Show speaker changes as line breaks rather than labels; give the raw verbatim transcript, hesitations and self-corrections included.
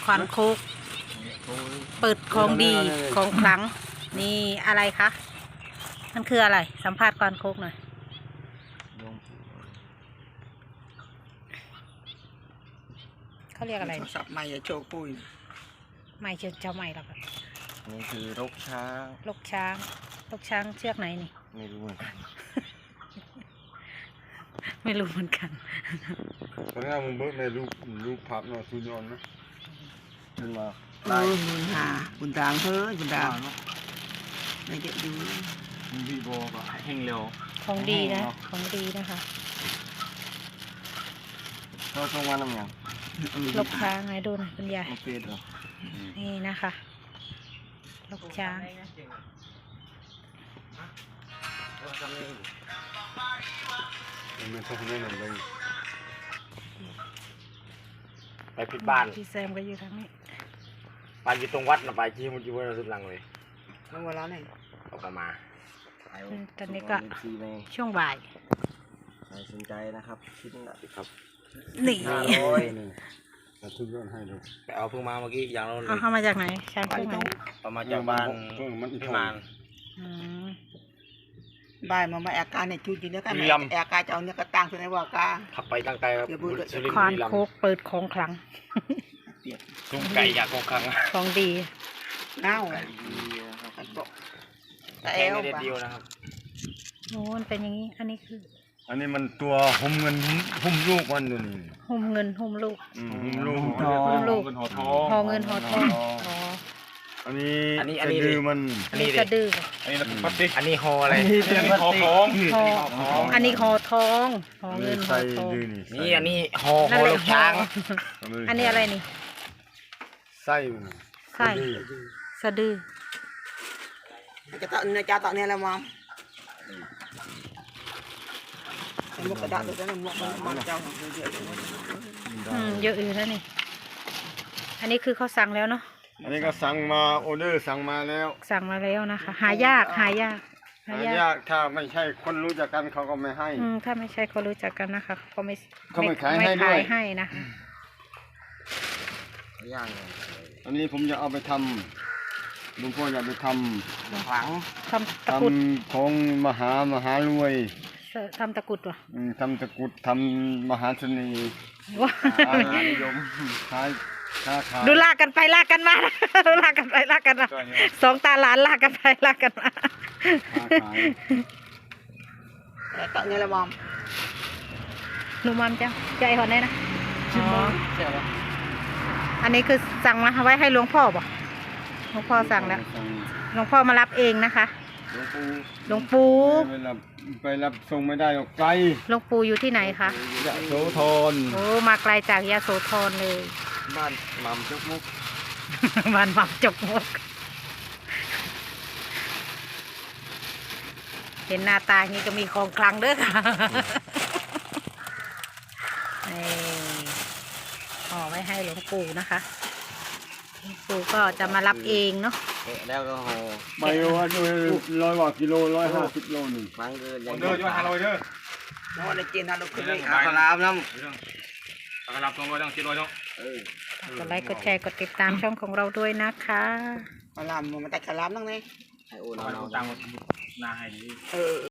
ควานโคกเปิดของดีของขลังนี่อะไรคะมันคืออะไรสัมภาษณ์ควานโคกหน่อยเขาเรียกอะไร
สับใหม่โชว์ปุ้ย
ไม่เจอเจ้าใหม่หรอกครับ
นี่คือรกช้าง
ลกช้างลกช้างเชือกไหนนี่
ไม่รู้เหมือนกัน
ไม่รู้เหมือนกัน
ตอนนี้มึงเบิกในรูปรูปภาพเนาะทุนยนต์นะ
ขึ้นมา
เออบุญหาบุญดางเฮ้ยบุญดางในเด็กดู
มีวีโบก็แห้งเร็ว
ของดีนะของดีนะคะ
เราตรงวันน้ำยัง
ลกช้างไงดูนะคุณยาย
เป็ดเหรอ
นี่นะคะลกช้าง
มันทำได้หนึ่งเลย
ไปผิดบ้าน
พี่แซมก็อยู่ทางนี้
ไปอยู่ตรงวัดนะไปชี้มันอยู่บนสุดหลังเลย
นั่งเวลาไหน
ออกมา
ตอนนี้ก็ช่วงบ่าย
ใครสนใจนะครับคิดนะครับ
นี่
โอ้ย
ทุนยนต์ให้ดู
ไปเอาเพิ่งมาเมื่อกี้อย่างเรา
เอาเข้ามาจากไหนช้างเพิ่งมา
เอามาจากบ้านพิมาน
บ่ายมามาอาการเนี่ยจุดจริงแล้วกันอาการจะเอาเนี่ยกระตังตัวไหนว่ากา
ขับไปตั้งใจครับ
ควานโคกเปิดของขลัง
ตุ้งไก่อยากของขลัง
ของดี
เน่า
แต่เอวเดียวนะครับ
โอ้มันเป็นอย่างนี้อันนี้คือ
อันนี้มันตัวหุ่มเงินหุ่มลูกมันดูนี่
หุ่มเงินหุ่มลูก
หุ่มลูก
หุ่มลูกหอเงินหอทอง
อันนี้
อันนี้อันนี้ดื้อ
มัน
อันนี้กระดื้อ
อันนี้พลาสติกอันนี้หออะไร
หอทอง
อันนี้หอทองหอเงินหอทอง
นี่อันนี้หอหอลูกช้าง
อันนี้อะไรนี่
ไส้
ไส้สะดือ
จะตัดเนี่ยจะตัดเนี่ยแล้วมั้งหมกกระดาษตัวนั้นหมกมันเจ้าเยอะ
อืมเยอะอยู่แล้วนี่อันนี้คือเขาสั่งแล้วเนาะ
อันนี้ก็สั่งมาออเดอร์สั่งมาแล้ว
สั่งมาแล้วนะคะหายากหายาก
หายากถ้าไม่ใช่คนรู้จักกันเขาก็ไม่ให้
อืมถ้าไม่ใช่คนรู้จักกันนะคะเขาไม่
เขาไม่ขายให้ด้วย
ให้นะคะ
ย่าง
อันนี้ผมจะเอาไปทำลุงพ่ออยากไปทำ
ฝัง
ทำตะกุด
ของมหามหารวย
ทำตะกุดวะ
ทำตะกุดทำมหาเสน่ห์
ว้า
นิยมขายค้าขาย
ดูลากกันไปลากกันมาดูลากกันไปลากกันมาสองตาหลานลากกันไปลากกันมา
ตัดเนี่ยละมอม
หนูมัมจ้าใจหอนแน่นะอ๋ออันนี้คือสั่งมาไว้ให้หลวงพ่อป่ะหลวงพ่อสั่งแล้วหลวงพ่อมารับเองนะคะหลวงปู่
ไปรับไปรับส่งไม่ได้หรอกไกล
หลวงปู่อยู่ที่ไหนคะ
ยะโสธร
โอ้มาไกลจากยะโสธรเลย
บ้านหม่ำจกมุก
บ้านหม่ำจกมุกเห็นหน้าตาอย่างนี้ก็มีของคลังเด้อค่ะห่อไว้ให้หลวงปู่นะคะหลวงปู่ก็จะมารับเองเนาะ
แล้วก็ห่อ
ไปว่าด้วยร้อยกว่ากิโลร้อยห้าสิบโลหนึ่ง
ฟังเดิน
เดินจะมาหาเราเด้อ
น้องในจีนนะลูกขึ้นไป
อาลามน้ำ
อาลามสองร้อยต้องกิโลต้อง
กดไลค์กดแชร์กดติดตามช่องของเราด้วยนะคะ
อาลามมันแต่อาลามนั่งไง
ให้โอนเอาตังค์นาให้ดี
เออ